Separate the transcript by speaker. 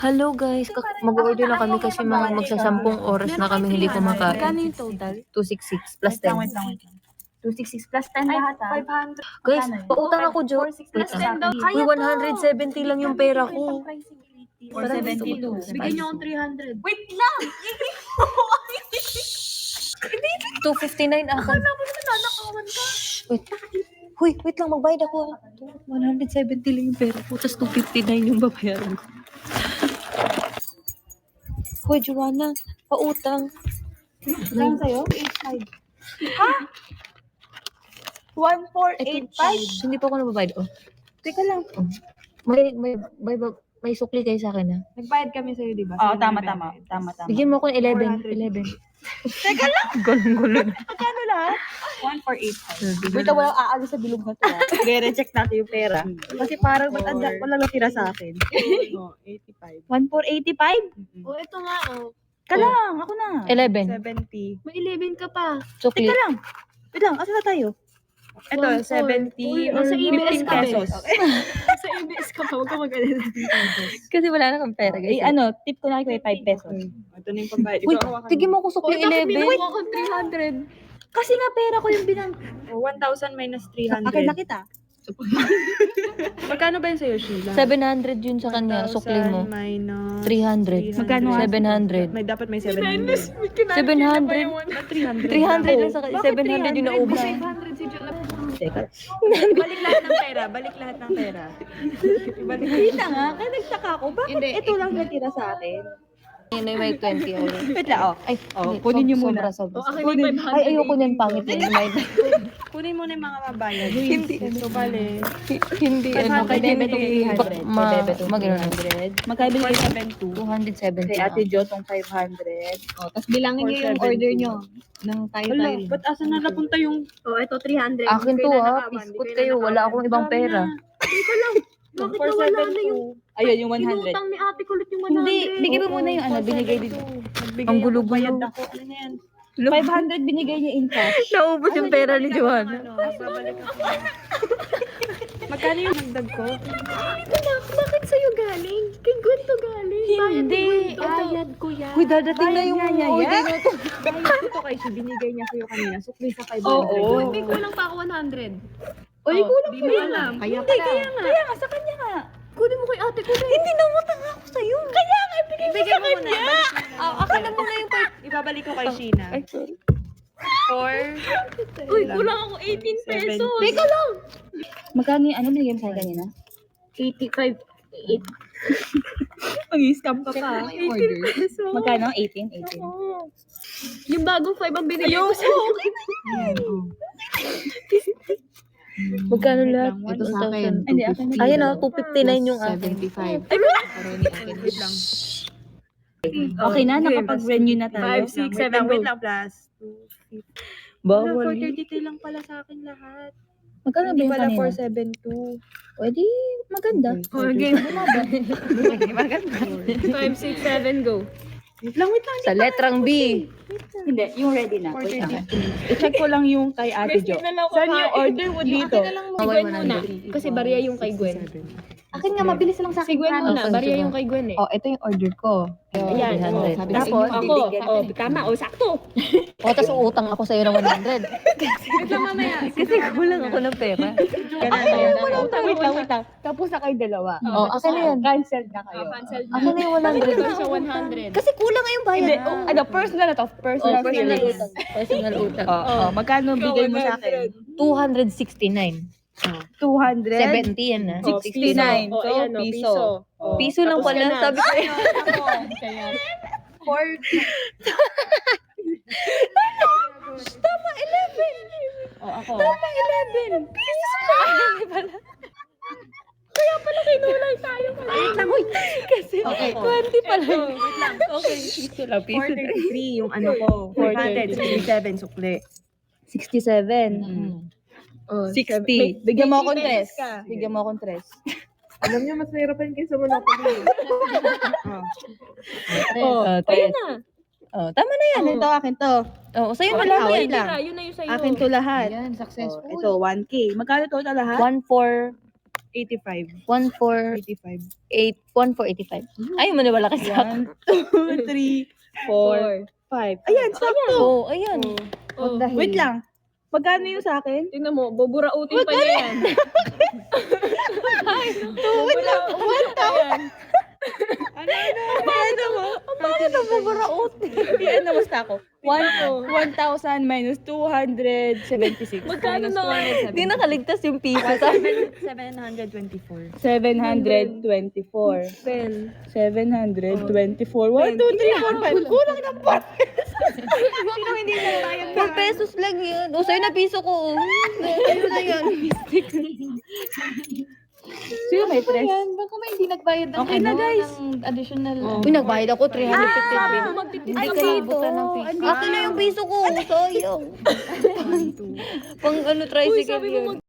Speaker 1: Hello guys, mag-order na kami kasi mga magsasampung oras na kami hindi kumakain.
Speaker 2: Magkano yung total?
Speaker 1: 266 plus 10.
Speaker 3: Wait lang.
Speaker 2: 266 plus 10 lahat ah.
Speaker 3: 500.
Speaker 1: Guys,
Speaker 3: Magkano yun?
Speaker 1: pautang ako, Jo.
Speaker 2: 460 plus 10 daw.
Speaker 1: Uy, 170 lang yung pera ko.
Speaker 3: 472.
Speaker 2: Bigyan niyo akong 300.
Speaker 3: Wait lang!
Speaker 1: 259 ako.
Speaker 2: Akala ko naman nanakawan ka.
Speaker 1: Wait. Huy, wait lang, magbayad ako. 170 lang yung pera ko, tapos 259 yung babayaran ko. Hoy, Joanna, pautang.
Speaker 3: Saan sa'yo? 8.5. Ha? 1,485?
Speaker 1: Hindi pa ako nababayad. Oh.
Speaker 3: Teka lang.
Speaker 1: May sukli kayo sa akin, ha?
Speaker 2: Nagbayad kami sa'yo, di ba?
Speaker 3: Oo,
Speaker 2: Sa'yo
Speaker 3: tama.
Speaker 2: nagbayad.
Speaker 1: Bigyan mo ako ng 11.
Speaker 2: 400.
Speaker 3: Teka lang.
Speaker 1: Gulo na.
Speaker 3: Magkano lahat? 1,485. Wait, walang aalis sa bilog na to. I-recheck natin yung pera. Kasi parang walang natira sa akin.
Speaker 2: 85.
Speaker 3: 1,485?
Speaker 2: Oh, ito nga, oh.
Speaker 3: Kalang, ako na.
Speaker 1: 11.
Speaker 2: 70. May 11 ka pa.
Speaker 1: Sukli.
Speaker 3: Teka lang. Wait lang, asa na tayo?
Speaker 2: Ito, 70 or
Speaker 3: nasa
Speaker 2: 15
Speaker 3: ABS ka,
Speaker 2: pesos.
Speaker 3: okay.
Speaker 2: Sa ABS ka pa, huwag ka mag-alala.
Speaker 1: Kasi wala na kang pera, guys.
Speaker 3: Tip ko na kayo 5 pesos.
Speaker 2: Ito na yung pambayad.
Speaker 1: Uy, tigyan mo ako sukli 11.
Speaker 2: Binuha ko 300.
Speaker 3: Kasi nga pera ko yung binang...
Speaker 2: 1,000 minus 300.
Speaker 3: Akin na kita.
Speaker 2: Magkano ba yun sa'yo, Sheila?
Speaker 1: 700 yun sa kanya, sukli mo.
Speaker 2: Minus
Speaker 1: 300.
Speaker 3: Magkano nga?
Speaker 1: 700.
Speaker 2: Dapat may 700.
Speaker 1: 700. 300 lang sa kanya. 700 yung naubos.
Speaker 2: 500 si John.
Speaker 3: Teka.
Speaker 2: Balik lahat ng pera. Balik lahat ng pera. Ibalik.
Speaker 3: Kita nga, kaya nagtaka ko. Bakit ito lang natira sa akin?
Speaker 1: Yun na may 20 ako.
Speaker 3: Wait lang,
Speaker 1: Ay,
Speaker 3: hindi, kunin niyo muna.
Speaker 1: Sobra.
Speaker 2: Akin yung 500.
Speaker 1: Ay, ayoko niyan, pangit na yun.
Speaker 2: Kunin mo na yung mga mabayad.
Speaker 1: Hindi.
Speaker 2: So, bale.
Speaker 1: Hindi, ano.
Speaker 3: Kay Bebe tong 300. Kay Bebe tong
Speaker 1: Magano
Speaker 3: 300. Magkano binigay sa
Speaker 1: 270.
Speaker 3: Kay Ate Jo tong 500.
Speaker 4: Tapos bilangin niyo yung
Speaker 2: 470.
Speaker 4: order niyo ng tayo-tayo.
Speaker 2: Wala, ba't asan na napunta yung...
Speaker 4: Oh, ito 300.
Speaker 1: Akin to, ha. Piskot kayo. Wala akong ibang pera.
Speaker 4: Bakit nawala na yung
Speaker 3: Ayun, yung 100.
Speaker 4: inutang ni ate kulit yung 100?
Speaker 3: Hindi, bigyan mo muna yung binigay dito.
Speaker 1: Ang gulo-gulo.
Speaker 2: Bayad ako. Ano na yan?
Speaker 3: 500 binigay niya in cash.
Speaker 1: Naubos yung pera ni Joanna.
Speaker 2: Babalik ako. Magkano yung nagdag ko?
Speaker 4: Bakit sa'yo galing? Kay Gwen to galing.
Speaker 3: Hindi.
Speaker 4: Bayad ko yan.
Speaker 1: Uy, dadating na yung order na to.
Speaker 2: Bayad ko to kay si binigay niya sa'yo kanina. Sukli sa 500.
Speaker 3: Oo.
Speaker 4: May kulang pa ako 100.
Speaker 3: Uy, kulang
Speaker 2: Di
Speaker 3: pa
Speaker 2: mo
Speaker 3: yun.
Speaker 2: alam.
Speaker 4: Kaya
Speaker 3: Hindi,
Speaker 4: pala.
Speaker 3: kaya nga, sa kanya nga.
Speaker 4: Kunin mo kay ate ko na.
Speaker 3: Hindi na utang ako sa'yo. Kaya nga, ibigay mo
Speaker 2: Ibigay
Speaker 3: sa
Speaker 2: mo muna.
Speaker 3: kanya.
Speaker 1: Akin na muna yung
Speaker 2: Ibabalik ko kay Sheena.
Speaker 1: Ay, sorry.
Speaker 2: 4.
Speaker 4: Uy, kulang ako 18 pesos.
Speaker 2: Teka
Speaker 4: lang.
Speaker 3: Magkano yung binigay mo sa kanina?
Speaker 4: 85.
Speaker 3: Mag-scam ka
Speaker 4: Check
Speaker 3: pa.
Speaker 4: mo yung order.
Speaker 3: Magkano? 18? 18.
Speaker 4: Yung bagong 5 ang binigay ko sa
Speaker 1: Magkano lahat?
Speaker 4: Ito sa akin.
Speaker 3: Hindi, akin na.
Speaker 1: Ayun, 259 yung akin.
Speaker 4: 75.
Speaker 2: Wait lang.
Speaker 3: Okay na, nakapag-renew na tayo.
Speaker 2: 5, 6, 7, wait lang, plus 2.
Speaker 1: Bawal.
Speaker 2: 433 lang pala sa akin lahat.
Speaker 3: Magkano ba
Speaker 2: Hindi
Speaker 3: yung
Speaker 2: pala
Speaker 3: kanina?
Speaker 2: 472.
Speaker 3: Pwede, maganda.
Speaker 2: Okay.
Speaker 3: Maganda.
Speaker 4: 5, 6, 7, go.
Speaker 2: Wait lang.
Speaker 1: Sa letrang B.
Speaker 3: Hindi, yung ready na. Wait lang. I-check ko lang yung kay Ate Jo.
Speaker 2: Saan yung order mo dito?
Speaker 4: Si Gwen muna. Kasi bariya yung kay Gwen.
Speaker 3: Akin nga, mabilis lang sa
Speaker 4: Si Gwen muna. Bariya yung kay Gwen eh.
Speaker 3: Oh, ito yung order ko.
Speaker 4: Ayan.
Speaker 1: 300.
Speaker 4: Sabi
Speaker 3: Tapos,
Speaker 4: ko ako.
Speaker 3: bibigyan
Speaker 4: Oh,
Speaker 3: natin.
Speaker 4: tama. Oh, sakto.
Speaker 1: O, tapos uutang ako sa'yo ng 100.
Speaker 2: Wait lang mamaya.
Speaker 1: Kasi kulang ako ng pera.
Speaker 3: Wait lang. Tapos na kayo dalawa.
Speaker 1: Oh, akin na yan.
Speaker 3: Cancel na kayo.
Speaker 4: Cancel na.
Speaker 1: Akin na yung 100.
Speaker 4: Ito siya 100.
Speaker 1: Kasi kulang nga yung bayad.
Speaker 3: Hindi, personal na to. Personal
Speaker 1: Oh, personal
Speaker 3: feelings.
Speaker 1: utang. Personal utang.
Speaker 3: Magkano bigay mo sa akin?
Speaker 1: 269.
Speaker 3: 200?
Speaker 1: 70 yan na.
Speaker 3: 69.
Speaker 4: Oh,
Speaker 3: So,
Speaker 4: ayan, oh,
Speaker 3: piso. Oh.
Speaker 1: Piso lang
Speaker 4: Tapos
Speaker 1: pala.
Speaker 4: ka na.
Speaker 1: Sabi ko
Speaker 4: Kaya.
Speaker 2: 4.
Speaker 3: Oh, ako.
Speaker 1: Tama, 11. Piso lang.
Speaker 4: Kinulay tayo.
Speaker 2: Wait lang. Uy.
Speaker 1: Kasi
Speaker 3: Okay.
Speaker 1: 20 pala.
Speaker 2: Wait lang.
Speaker 1: Okay, piso lang. Piso lang.
Speaker 2: 433 yung ano ko. 467 sukli.
Speaker 3: 67.
Speaker 4: Oh,
Speaker 3: 60. Bigyan mo akong
Speaker 2: May
Speaker 3: tres.
Speaker 2: ka.
Speaker 3: Bigyan mo akong tres.
Speaker 2: Alam niyo, mas nahirapan kayo sa Monopoly.
Speaker 3: Oh,
Speaker 1: Ayun
Speaker 4: na.
Speaker 1: Oh, tama na yan.
Speaker 3: Ito, akin to.
Speaker 1: Oh, sa'yo
Speaker 3: Oh,
Speaker 1: na lang
Speaker 3: wait
Speaker 1: yan.
Speaker 3: lang.
Speaker 4: Yun na yung sa'yo.
Speaker 3: Akin to lahat.
Speaker 4: Ayan,
Speaker 3: Oh,
Speaker 4: successful.
Speaker 3: ito, 1K. Magkano total lahat?
Speaker 1: 1,400.
Speaker 3: 85.
Speaker 1: 1,485.
Speaker 3: 85.
Speaker 1: 1,485. Ay, maniwala ka sa akin.
Speaker 3: 1, 2, 3, 4, 5. Ayan, sakto.
Speaker 1: Oo, ayan.
Speaker 4: Oh.
Speaker 3: Wait lang. Magkano yung sa akin?
Speaker 2: Tingnan mo, buburautin pa niya yan.
Speaker 3: Wait lang. 1,000. Ano mo?
Speaker 1: Bakit ang buburaot?
Speaker 3: Ano basta ako? 1,000 minus 276.
Speaker 2: Magkano na nga?
Speaker 1: Hindi nakaligtas yung piso.
Speaker 2: 724.
Speaker 3: 724.
Speaker 2: 10.
Speaker 3: 724. 1, 2, 3, 4, 5. Kulang ng 4 pesos. Sino hindi na tayo?
Speaker 1: 4 pesos lang yun. O, sa'yo na piso ko. Sa'yo na yan.
Speaker 3: Sino may tres?
Speaker 4: Baka may hindi nagbayad ng
Speaker 3: Okay na, guys.
Speaker 4: ng additional.
Speaker 1: Uy, nagbayad ako 350.
Speaker 2: Magtitis
Speaker 1: Ay,
Speaker 2: ka
Speaker 1: kayo
Speaker 2: pa.
Speaker 1: to. Akin na yung piso ko. Sayang. Pang ano, tricycle yun.